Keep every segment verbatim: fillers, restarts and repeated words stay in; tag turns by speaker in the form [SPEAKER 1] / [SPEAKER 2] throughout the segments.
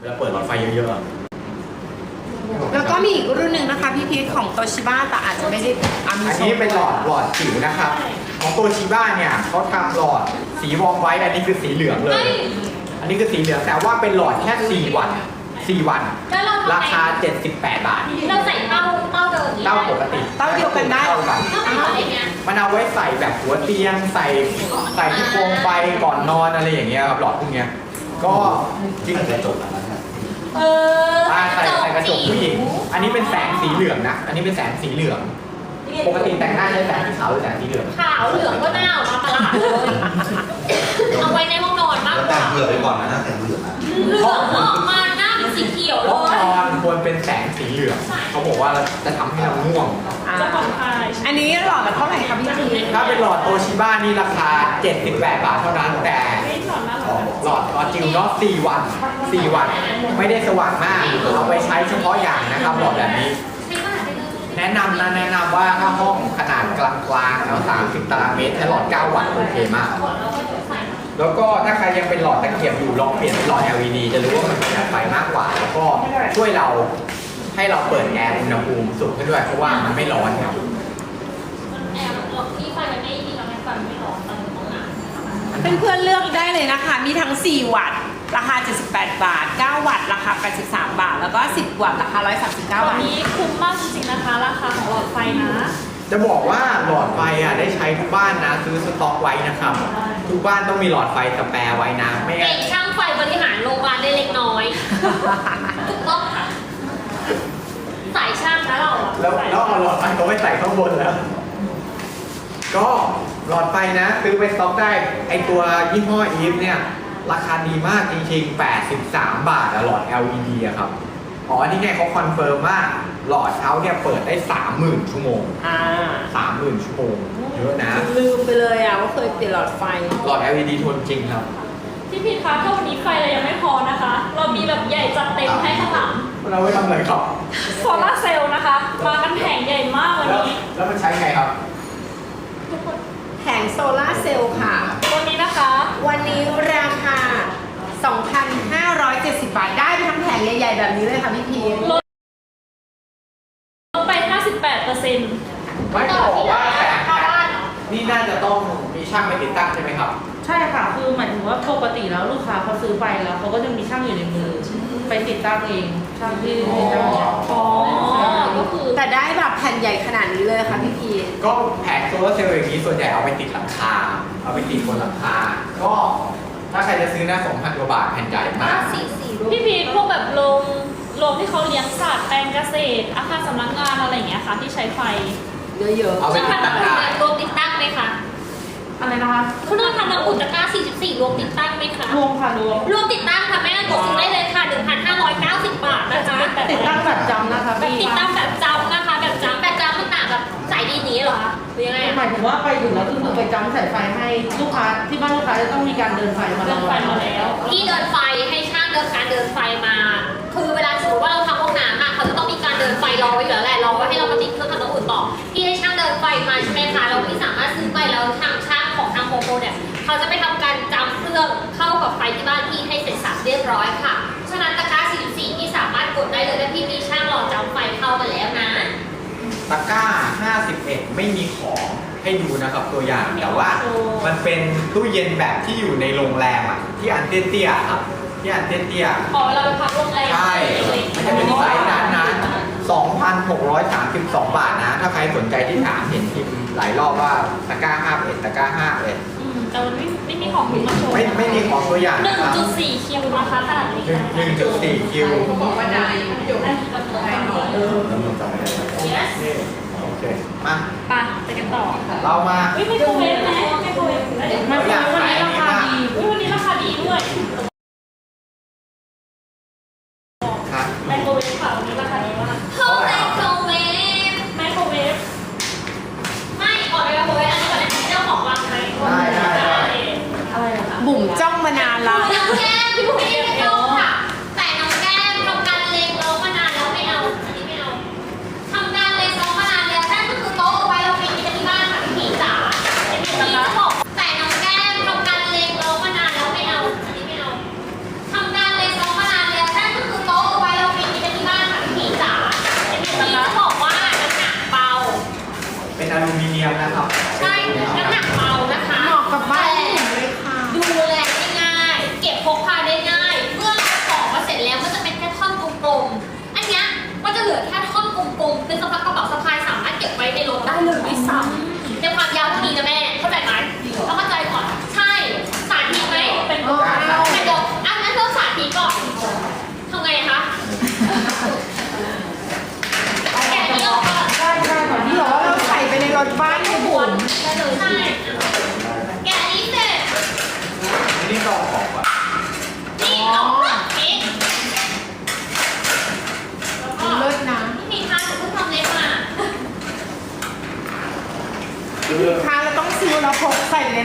[SPEAKER 1] วลาเปิดหลอดไฟเยอะๆ
[SPEAKER 2] แล้วก็มีอีกรุ่นหนึ่งนะคะพี่พีทของโตชิบ้าแต่อาจจะไม่ได้อามี
[SPEAKER 1] อันนี้เป็นหลอดหลอดจิ๋วนะครับของโตชิบ้าเนี่ยเขาทำหลอดสีวอร์มไว้อันนี้คือสีเหลืองเลย อันนี้คือสีเหลืองแต่ว่าเป็นหลอดแค่สี่วันสี่วันราคาเจ็ดสิบแปดบาท
[SPEAKER 3] เราใส่เต้าเต้าเดิม
[SPEAKER 1] เต้าปกติ
[SPEAKER 2] เต้าเดียวกันได้
[SPEAKER 1] เต้ากัน มันเอาไว้ใส่แบบหัวเตียงใส่ใส่ที่โคมไฟก่อนนอนอะไรอย่างเงี้ยครับหลอดพวกเนี้ยก็จริงกระจก
[SPEAKER 3] เออ
[SPEAKER 1] ใส่ใส่กระจกผู้หญิงอันนี้เป็นแสงสีเหลืองนะอันนี้เป็นแสงสีเหลืองปกติแต่งหน้าใช้แสงสีขาวหรือแสงสีเหลือง
[SPEAKER 3] ขาวเหลืองก็หน้าออกมาประหลาดเลยเอาไว้ในห้องนอนมากกว่า
[SPEAKER 4] แต่งเผื่อไปก่อนนะนะแต่งเหลืองนะ
[SPEAKER 3] เหลืองออกมาหน้าเป็นสีเขียวเล
[SPEAKER 1] ห้อง
[SPEAKER 3] ย
[SPEAKER 1] นอนควรเป็นแสงสีเหลืองเขาบอกว่าจะทำให้เราง่วง
[SPEAKER 3] จะผ่อนคลาย
[SPEAKER 2] อันนี้หลอดละเท่าไหร่คะพี่พีท
[SPEAKER 1] ถ้าเป็นหลอดโตชิบ้านี่ราคาเจ็ดสิบแปดบาทเท่านั้นแต่หลอดหลอดจิ๋วเนาะสี่วันสี่วันไม่ได้สว่างมากเอาไปใช้เฉพาะอย่างนะครับหลอดแบบนี้แนะนำนะแนะนำว่าถ้าห้องขนาดกลางๆเอาสามสิบตารางเมตรใช้หลอดเก้าวัตต์โอเคมากแล้วก็ถ้าใครยังเป็นหลอดตะเกียบอยู่ลองเปลี่ยนเป็นหลอด แอล อี ดี จะรู้ว่ามันประหยัดไฟมากกว่าแล้วก็ช่วยเราให้เราเปิดแอร์อุณหภูมิสูงขึ้นด้วยเพราะว่ามันไม่ร้อนครับ
[SPEAKER 3] แอบที่ไฟมันไม่ดีทำให้ไฟไม่ร้อนตอนห้องน้
[SPEAKER 2] เพื่อนๆเลือกได้เลยนะคะมีทั้งสี่วัตต์ราคาเจ็ดสิบแปดบาทเก้าวัตต์ราคาแปดสิบสามบาทแล้วก็สิบวัตต์ราคาหนึ่งร้อยสามสิบเก้าบาท
[SPEAKER 3] วันนี้คุ้มมากจริงๆนะคะราคาของหลอดไฟนะ
[SPEAKER 1] จะบอกว่าหลอดไฟอ่ะได้ใช้ทุกบ้านนะซื้อสต็อกไว้นะครับทุกบ้านต้องมีหลอดไฟสแปร์ไว้นะไม่งั้น
[SPEAKER 3] เด็กช่างไฟบริหารโรงพยาบาลได้เล็กน้อยถูกต้องค่ะสายช่างนะเรา
[SPEAKER 1] แล้วแล้วเอาหลอดไฟเขาไม่ใส่ข้างบนแล้วก็หลอดไฟนะซื้อไปสต็อกได้ไอตัวยี่ห้ออีฟเนี่ยราคาดีมากจริงๆแปดสิบสามบาทอะหลอด แอล อี ดี อะครับอ๋อนี่ไงเขาคอนเฟิร์มว่าหลอดเขาเนี่ยเปิดได้ สามหมื่น ชั่วโมง
[SPEAKER 2] อ่า
[SPEAKER 1] สามหมื่น ชั่วโมงเยอะนะ
[SPEAKER 2] ลืมไปเลยอ่ะว่าเคยเปลี่ยนหลอดไฟ
[SPEAKER 1] หลอด แอล อี ดี ทนจริงครับ
[SPEAKER 3] พี่พีทคะถ้าวันนี้ไฟเรายังไม่พอนะคะ เรามีแบบใหญ่จัดเต็มให้ข้างหลัง
[SPEAKER 1] เราไว้ทำอะไรครับ
[SPEAKER 3] โซลาร์เซลล์นะคะมากันแผงใหญ่มากวันนี้
[SPEAKER 1] แล้วมันใช้ไงครับ
[SPEAKER 2] แผงโซลาร์เซลล์ค่ะ
[SPEAKER 3] วันนี้นะคะ
[SPEAKER 2] วันนี้ราคา สองพันห้าร้อยเจ็ดสิบ บาทได้ไปทั้งแผงใหญ่ๆแบบนี้เลยค่ะพี่พีท
[SPEAKER 3] ลดไป ห้าสิบแปดเปอร์เซ็นต์
[SPEAKER 1] ไม่จะบอกว่าแผงนี่น่าจะต้องมีช่างไปติดตั้งใช่ไหมครับ
[SPEAKER 5] ใช่ค่ะคือหมายถึงว่าปกติแล้วลูกค้าเขาซื้อไปแล้วเขาก็จะมีช่างอยู่ในมือไปติดตั้งเองช่างที่ติดตั้งเนี่ย
[SPEAKER 3] อ๋อก็คือ
[SPEAKER 2] แต่ได้แบบแผ่นใหญ่ขนาดนี้เลยค่ะพี่พีท
[SPEAKER 1] ก็แผงโซลาร์เซลล์อย่างนี้ส่วนใหญ่เอาไปติดหลังคาเอาไปติดบนหลังคาก็ถ้าใครจะซื้อนะ สองพัน กว่าบาทแผ่นใหญ่มาก
[SPEAKER 3] พี่พีทพวกแบบโรงโรงที่เขาเลี้ยงสัตว์แปลงเกษตรอาคารสำนักงานอะไรอย่างเงี้ยค่ะที่ใช้ไฟ
[SPEAKER 2] เยอะๆ
[SPEAKER 1] เอาไปติดตั้งได้
[SPEAKER 3] รวมติดตั้งไหมคะ
[SPEAKER 5] อะไรนะคะ
[SPEAKER 3] คุณน้องทำน้ำอุ่นตะกร้าสี่สิบสี่รวมติดตั้งไหมคะ
[SPEAKER 5] รวมค่ะรวม
[SPEAKER 3] รวมติดตั้งค่ะแม่กดซื้อได้เลยค่ะ หนึ่งพันห้าร้อยเก้าสิบ บาทนะคะ
[SPEAKER 5] ติดตั้งแบบจำนะคะ
[SPEAKER 3] แบบติดตั้งแบบจำนะคะแบบจำแบบจำมันต่างกับสายดีนี้เหรอคะหรือยังไง
[SPEAKER 5] หมายถึงว่าไปถึงแล้วคือไปจำสายไฟให้ลูกค้าที่บ้านลูกค้าจะต้องมีการเดินไฟมา
[SPEAKER 3] เดินไฟมาแล้วที่เดินไฟให้ช่างเดินการเดินไฟมา คือเวลาสมมติว่าเราทำห้องน้ำอะเขาจะต้องมีการเดินไฟรอไว้อยู่แล้วแหละรอไว้ให้เรามาติดเครื่องทำน้ำอุ่นต่อที่ให้ช่างเดินไฟมาใช่ไหมคะเราไม่สามารถซื้อไปแล้วทางช่างของทางโฮมโปรเนี่ยเขาจะไปทำการจำเครื่องเข้ากับไฟที่บ้านที่ให้เสร็จสับเรียบร้อยค่ะฉะนั้นตะกร้าสี่สิบสี่ที่สามารถกดได้เลยถ้าพี่มีช่างหล่อจำไฟเข้ามาแล้วนะ
[SPEAKER 1] ตะกร้าห้าสิบเอ็ดไม่มีของให้ดูนะครับตัวอย่างแต่ว่ามันเป็นตู้เย็นแบบที่อยู่ในโรงแรมอ่ะที่อันเตี้ยๆครับที่อันเตี้ย
[SPEAKER 3] ๆอ๋อเราไปพักโรงแรม
[SPEAKER 1] ใช่มันจะเป็นไซส์นั้นนะ สองพันหกร้อยสามสิบสอง บาทนะถ้าใครสนใจที่ถามเห็นพิมพ์หลายรอบว่าตะกร้าห้าสิบเอ็ดตะกร้าห้าสิบเอ็ด
[SPEAKER 3] แต่มันไม่ไม่มีของคุณมาโชว์
[SPEAKER 1] ไม่ไม่มีของตัวอย่าง
[SPEAKER 3] หนึ่งจุดสี่คิวนะคะขนาดนี้
[SPEAKER 1] หนึ่งจุดสี่คิว
[SPEAKER 2] บอกว่าได้ประโยชน์ให้หน่อย
[SPEAKER 1] โอเคมา
[SPEAKER 3] ไปไปกันต่อ
[SPEAKER 1] เรามา
[SPEAKER 3] ไม่ไม่โคเวฟไหมไม่โคเวฟ
[SPEAKER 5] ไม่โคเวฟวันนี้ราคาดี
[SPEAKER 3] วันนี้ราคาดีด้วยไมโครเวฟค่ะวันนี้ราคาดีมากเข้าไมโครเวฟไมโครเวฟไม่ก่อนไมโครเวฟอันนี้ก่อนนะเจ้าของวางไหม
[SPEAKER 1] ได้ได้ได้
[SPEAKER 3] อะไรอะคะ
[SPEAKER 2] บุ๋มจ้องมานานแล้ว
[SPEAKER 3] น้องแก้มพี่บุ๋มไม่ได้จ้องค่ะแต่น้องแก้มทำการเล็งเรามานานแล้วไม่เอาอันนี้ไม่เอาทำการเล็งเรามานานแล้วนั่นก็คือโต๊ะเอาไว้เราปีนที่บ้านค่ะพี่ผีจ๋าเป็นพี่จะบอกแต่น้องแก้มทำการเล็งเรามานานแล้วไม่เอาอันนี้ไม่เอาทำการเล็งเรามานานแล้วนั่นก็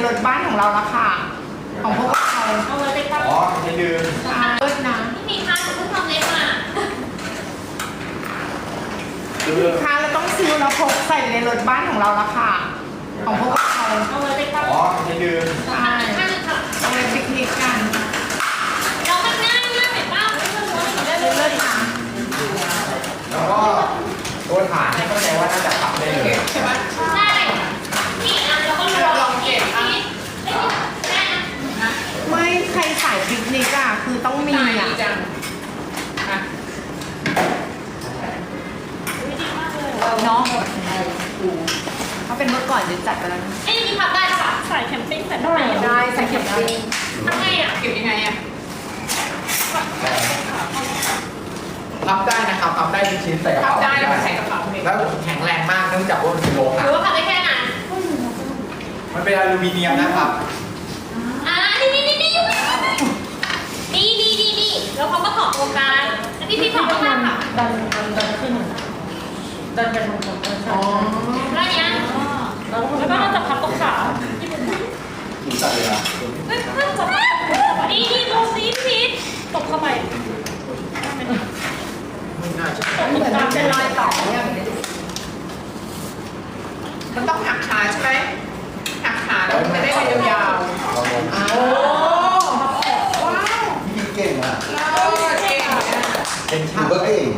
[SPEAKER 2] ถบ้านของเราละค่ะ ของพวกเรา
[SPEAKER 3] เอาไว้ไปตั้ง
[SPEAKER 1] อ๋อจะลืม
[SPEAKER 2] ใช่เลิศนะ
[SPEAKER 3] พี่พีคะหนูเพิ่งทำเล็บมา
[SPEAKER 2] พี่พีคะเราต้องซื้อแล้วพกใส่ในรถบ้านของเราละค่ะ ของพวกเรา
[SPEAKER 3] เอาไว้ไปตั้ง
[SPEAKER 1] อ๋อจะลืม
[SPEAKER 2] ใช่
[SPEAKER 3] ข้างหนึงค่ะ
[SPEAKER 2] เอาไปปิกนิกกัน
[SPEAKER 3] เรามันง่ายมากเห็นป่ะไม่ต้องรู้อะไรได้เล
[SPEAKER 2] เลิ
[SPEAKER 3] ย
[SPEAKER 2] ศนะ
[SPEAKER 1] แล้วก็ตัวฐานให้เข้าใจว่าน่าจะพับได้เลย
[SPEAKER 2] ใช่ไหม
[SPEAKER 3] ใช่นี่อ่ะเราก็ลองเก็บอ่ะแม่นะ
[SPEAKER 2] ไม่ใครสายปิกนิกอะคือต้องมีอะเนาะเขาเป็นเมื่อก่อนจะจัดไปแล้วนะ
[SPEAKER 3] ไอ้นี่พับได้ป่ะใส่แคมปิ้งใส่ได้
[SPEAKER 2] ได้ใส่เข็มปิ้ง
[SPEAKER 3] ทำไงอ่ะ
[SPEAKER 2] เก็บยังไงอะ
[SPEAKER 1] พับได้นะครับพับได้ทุกชิ้นใส่กระเป๋า
[SPEAKER 2] ได้แล้วใส่กระเป๋า
[SPEAKER 1] แล้วแข็งแรงมากเนื่องจากว่ามันเป็นโล
[SPEAKER 3] ห
[SPEAKER 1] หะ
[SPEAKER 3] รือว่าพับได้แค่นั้น
[SPEAKER 1] มันเป็นอลูมิเนียมนะครับ
[SPEAKER 3] อ่านี่นี่นี่นี่อยู่นี่นี่นี่นี่แล้วเขาก็ถอดตัวกลางแล้วพี่พี่ถอดข้างล่างค่ะ
[SPEAKER 5] ดันดันดันขึ้นดันไปทางตรงกัน
[SPEAKER 2] อ๋อ
[SPEAKER 3] แล้วเนี้ย
[SPEAKER 5] แล้วก็เราจะพับตรงขา
[SPEAKER 4] หนูตัดเลยนะ
[SPEAKER 3] เฮ้ยเพิ่งจะนี่นี่ดูสิพี่ตกเข้าไป
[SPEAKER 1] ไม่น่าจะ
[SPEAKER 2] เหมือนมันเป็นรอยต่อเนี่ยมันต้องหักขาใช่ไหมหักขาแล้วมันจะได้ไปยาว
[SPEAKER 4] เราลง
[SPEAKER 2] ๆโอ้ว้าว
[SPEAKER 4] พี่เก่งอ่ะ
[SPEAKER 2] เราเก่งเนี่ย
[SPEAKER 1] เป็น
[SPEAKER 4] หนู
[SPEAKER 1] ช่าง
[SPEAKER 4] ก็เก่ง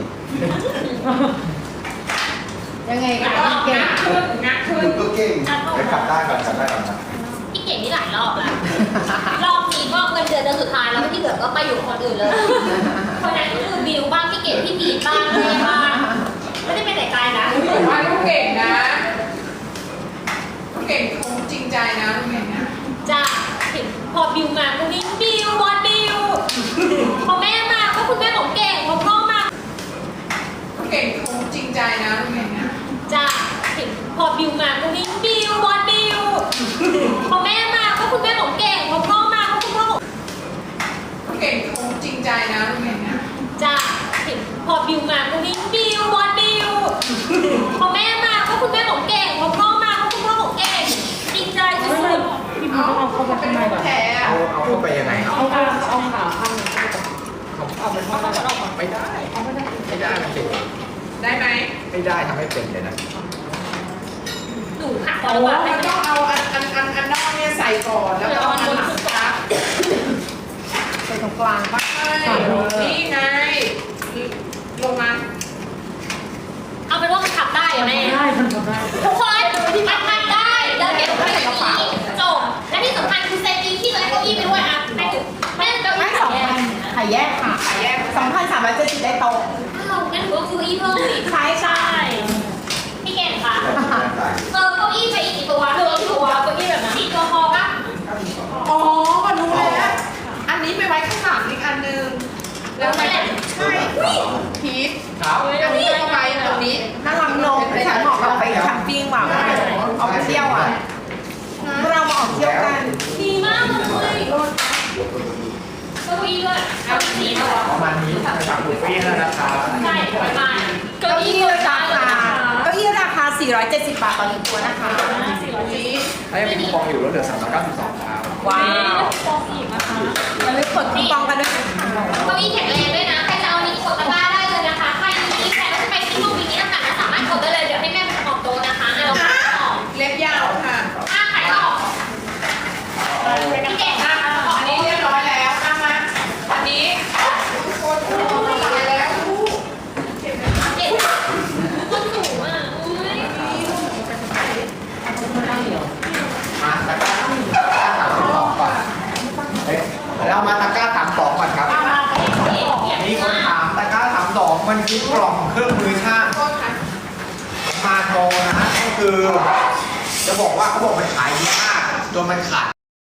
[SPEAKER 2] ยังไงก็ต้องเก่งขึ้นงัก
[SPEAKER 4] ห
[SPEAKER 2] ขึ้
[SPEAKER 4] นู
[SPEAKER 2] น
[SPEAKER 4] ก็เก่งไปขับได้ก่อนขับได้ก่อนนะ
[SPEAKER 3] พี่เก่งนี่หลายรอบแล้ว รอบนี้ก็เงินเดือนเดือนสุดท้ายแล้วที่เหลือก็ไปอยู่กับคนอื่นเลย คนนั้นก็คือบิวบ้างพี่เก่งพี่พีทบ้างเลยบ้างไม่ได้ไปไหนไกลนะ
[SPEAKER 6] ผมว่าลูกเก่งนะลูกเก่งคงจริงใจนะลูกเก่งนะ
[SPEAKER 3] จ้าเห็นพอบิวมาก็วิ่งบิวบอลบิวพอแม่มาก็คุณแม่ของเก่งพอพ่อมา
[SPEAKER 6] ลูกเก่งคงจริงใจนะลูกเก่งนะ
[SPEAKER 3] จ้าเห็นพอบิวมาก็วิ่งบิวบอลบิวพอแม่มาก็คุณแม่ของเก่งพอพ่อมาก็คุณพ่อของ
[SPEAKER 6] ลูกเก่งคงจริงใจนะลูกเก่งนะ
[SPEAKER 3] จ้าเห็นพอบิวมาก็วิ่งบิวบอลบิวพอแม่มาก็คุณแม่ของเก่งพอพ่อมาก็คุณพ่อของเก่งจริงใจสุ
[SPEAKER 5] ไม่ไม่
[SPEAKER 3] ด
[SPEAKER 5] พี่พีต้องเอาเข้าไป
[SPEAKER 6] เป็
[SPEAKER 5] ข้าน งใน
[SPEAKER 6] ลู
[SPEAKER 5] ก่อก น
[SPEAKER 6] แท้อะ
[SPEAKER 1] เอาเอาเข้าไปยังไงครับ
[SPEAKER 5] เอาขาเอาขาข้างนึง
[SPEAKER 1] เอาไปข้างนอกไม่ได้ไม่ได้ไม่ได้มันเจ็บ
[SPEAKER 6] ได้ไหม
[SPEAKER 1] ไม่ได้ทำให้เป็นเลยนะ
[SPEAKER 3] ๆหนูหักคอ
[SPEAKER 6] โอ้
[SPEAKER 3] ระบาดไป
[SPEAKER 6] มันต้องเอาอันอันอันอันนอกเนี่ยใส่ก่อนแล้วก็เอาอันหลังซัก
[SPEAKER 2] ใส่ตรงกลางปะ
[SPEAKER 6] ใช่นี่ไงลงมา
[SPEAKER 3] เอาเป็นว่ามันขับได้อะแม่
[SPEAKER 5] ได้ทำได้
[SPEAKER 3] ทุกคนมันทำได้เดินเก็บไปในกระเป๋าจบและที่สำคัญคือเซฟตี้ที่เลยเก้าอี้ไปด้วยอ่ะไม่ถึงไม่เก้า
[SPEAKER 2] ไม่
[SPEAKER 3] อี้
[SPEAKER 2] ส
[SPEAKER 3] ส
[SPEAKER 2] อ
[SPEAKER 3] อง ง
[SPEAKER 2] พันขายแยกค่ะ
[SPEAKER 6] ขายแยก
[SPEAKER 2] สองพันสามร้อยเจ็ดสิบได้โต๊ะ
[SPEAKER 3] อ้าวงั้นหนูก็ซื้อเก้าอี้เพิ่มอีก
[SPEAKER 2] ใช่ใช่
[SPEAKER 3] ใช่พี่เก่งค่ะ
[SPEAKER 4] ได้
[SPEAKER 3] เออเก้าอี้ไปอีกกี่ตัวเธอกี่ตัวเก้าอี้แบบนั้นสี่ตัวพอปะ
[SPEAKER 6] อ๋อมารู้แล้วอันนี้ไปไว้ข้างหลังอีกอันนึงแล้วไปใช่พีท
[SPEAKER 1] ครับ
[SPEAKER 6] อันนี้ก็ไว้ตรงนี้
[SPEAKER 2] น่ารักนมแต่ฉันเหมาะกับไปแคมปิ้งว่ะออกไปเที่ยวอ่ะเรามาออกเที่ยวกัน
[SPEAKER 3] ดีมากเลยเก้าอี้ด้วยเก้าอี้สี่ตัว
[SPEAKER 1] ประมาณนี้จากบุฟเฟ่ต์แล้วนะครับ
[SPEAKER 3] ใช่ประมาณ
[SPEAKER 2] เก้าอี้ราคาเก้าอี้ราคาสี่ร้อยเจ็ดสิบบาทต่อหนึ่งตัวนะคะ
[SPEAKER 1] ถ้ายังมีคูปองอยู่ลดเหลือสามร้อยเก้าสิบสองครับ
[SPEAKER 2] ว้าว
[SPEAKER 3] ฟองอีกนะคะ
[SPEAKER 2] อย่าลืมกดคูปองกันด้วยนะคะ
[SPEAKER 3] เก้าอี้แข็งแรงด้วยนะใครจะเอานี้กดตะกร้าได้เลยนะคะใครมีใครว่าจะไปที่ห้องนี้ต่างๆสามารถกดได้เลยเดี๋ยวให้แม่เป็นออกโต๊ะนะคะอ่ะเราขายต่อ
[SPEAKER 6] เล็บยาวค่ะ
[SPEAKER 3] อ่ะขายต่อพี่เก่งค่ะ
[SPEAKER 6] อันนี้เรียบร้อยแล้วเอามาอันนี้ทุกคนพูดตายแล้วลูก
[SPEAKER 3] เก่งคนสูงอ่ะอุ้ย
[SPEAKER 1] มาตะกร้าตะกร้าสามสองก่อนเอ๊ะเรามาตะกร้าสามสองก่อนครับ มีคนถามตะกร้าสามสองมันคือกล่องเครื่องมือช่าง
[SPEAKER 6] โทษค่ะ
[SPEAKER 1] มาโทรนะฮะก็คือ จะบอกว่าเขาบอกมันขายดีมากจนมันขาด